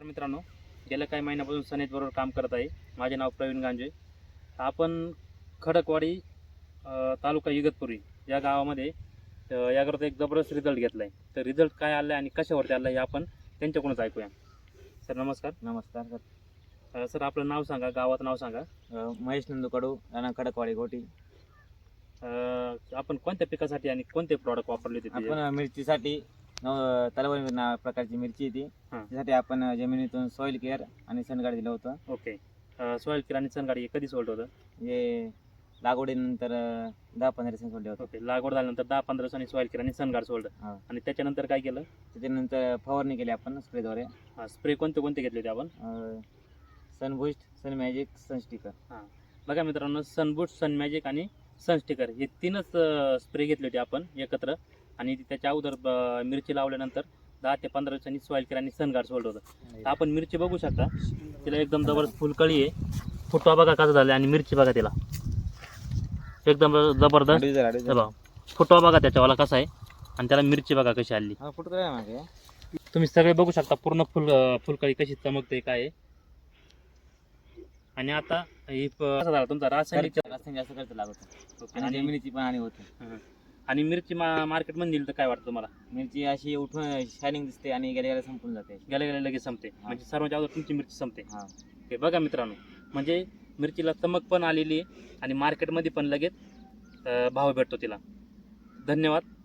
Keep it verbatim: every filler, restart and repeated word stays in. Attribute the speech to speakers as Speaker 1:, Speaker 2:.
Speaker 1: मित्रांनो, गेल्या काही महिन्यापासून सनेज बरोबर काम करत आहे. माझे नाव प्रवीण गांजे. आपण खडकवाडी अ, तालुका इगतपुरी या गावामध्ये अ, याकरता एक जबरदस्त रिझल्ट घेतला आहे. तर रिझल्ट काय आला आहे आणि कशावरती आला आहे हे आपण त्यांच्याकडूनच ऐकूया. सर नमस्कार.
Speaker 2: नमस्कार सर.
Speaker 1: अ, सर आपलं नाव सांगा, गावाचं नाव सांगा.
Speaker 2: अ, महेश नंदू कडू, राणा खडकवाडी गोटी.
Speaker 1: अ, आपण कोणत्या पिकासाठी आणि कोणते प्रॉडक्ट वापरले होते ते?
Speaker 2: आपण मिरचीसाठी नव तलवारी ना प्रकारची मिरची आहे ती.
Speaker 1: हां.
Speaker 2: त्यासाठी आपण जमिनीतून सॉइल केअर आणि सनगाड दिलं होतं.
Speaker 1: ओके. सॉईल किर आणि सनगाडी हे कधी सोडलं होतं?
Speaker 2: हे लागवडीनंतर अ, दहा पंधरा दिवसांनी सोडले होते.
Speaker 1: ओके. लागवड झाल्यानंतर दहा पंधरा दिवसांनी सॉईल किर आणि सनगाड सोडलं.
Speaker 2: हां.
Speaker 1: आणि त्याच्यानंतर काय केलं?
Speaker 2: त्याच्यानंतर फवारणी केली आपण स्प्रेद्वारे.
Speaker 1: स्प्रे कोणते कोणते घेतले होते आपण?
Speaker 2: Sunboost, Sun Magic, Sun Sticker.
Speaker 1: बघा मित्रांनो, सनबूट, सन मॅजिक आणि सन स्टिकर हे तीनच स्प्रे घेतले होते आपण एकत्र. आणि त्याच्या अगोदर अ, मिरची लावल्यानंतर दहा ते पंधरा दिवसांनी सॉईल केअर आणि सनगार्ड सोडलं होतं. तर आपण मिरची बघू शकता, तिला एकदम जबरदस्त फुलकळी आहे. फुटवा बघा कसा झाला आणि मिरची बघा तिला एकदम जबरदस्त. हे बघा फुटवा बघा त्याच्यावाला कसा आहे आणि त्याला मिरची बघा कशी आली.
Speaker 2: हा फुट काय मागे.
Speaker 1: तुम्ही सगळे बघू शकता पूर्ण फुल अ, फुलकळी कशी चमकते काय आहे. आणि आता ही प- कसा झाला तुमचा रासायनिक
Speaker 2: रासायनिक जास्त खर्च लागतो
Speaker 1: ओके.
Speaker 2: आणि
Speaker 1: आणि
Speaker 2: जमिनीची पण हानी होते.
Speaker 1: हं. आणि मिरची मा मार्केटमध्ये नेली तर काय वाटतं तुम्हाला?
Speaker 2: मिरची अशी उठून शायनिंग दिसते आणि गेल्या गेल्या संपून जाते.
Speaker 1: गेल्या गेल्या लगेच संपते,
Speaker 2: हा.
Speaker 1: म्हणजे सर्वांच्या अगोदर तुमची मिरची संपते.
Speaker 2: हा.
Speaker 1: हे बघा मित्रांनो, म्हणजे मिरचीला चमक पण आलेली आहे आणि मार्केटमध्ये पण लगेच अ, भाव भेटतो तिला. धन्यवाद.